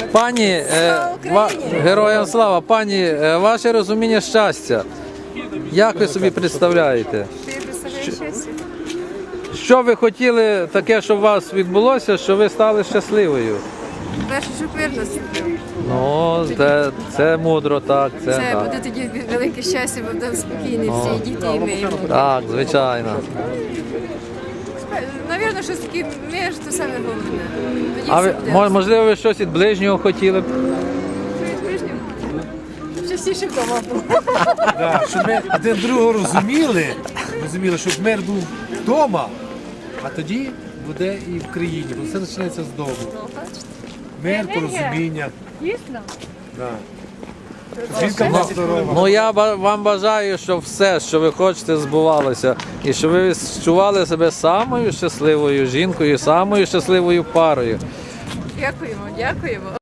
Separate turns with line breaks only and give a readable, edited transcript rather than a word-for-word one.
Пані, героям слава, пані, ваше розуміння щастя, як ви собі представляєте? Що ви хотіли таке, щоб у вас відбулося, що ви стали щасливою?
Перше, щоб мир наступив.
Ну, це мудро, так.
Це буде тоді велике щастя, бо будемо спокійні всі, і діти, і ми.
Так, звичайно.
Навірно, щось таке мир, то саме головне. Тоді
А
все
ви,
буде.
можливо, ви щось від ближнього хотіли б?
Частіше вдома було.
Да, щоб ми один другого розуміли, щоб мир був вдома, а тоді буде і в країні, бо все починається з дому. Мир, порозуміння.
Дійсно?
Да. Жінка була здорова.
Ну, я вам бажаю, щоб все, що ви хочете, збувалося. І щоб ви відчували себе самою щасливою жінкою, самою щасливою парою.
Дякуємо, дякуємо.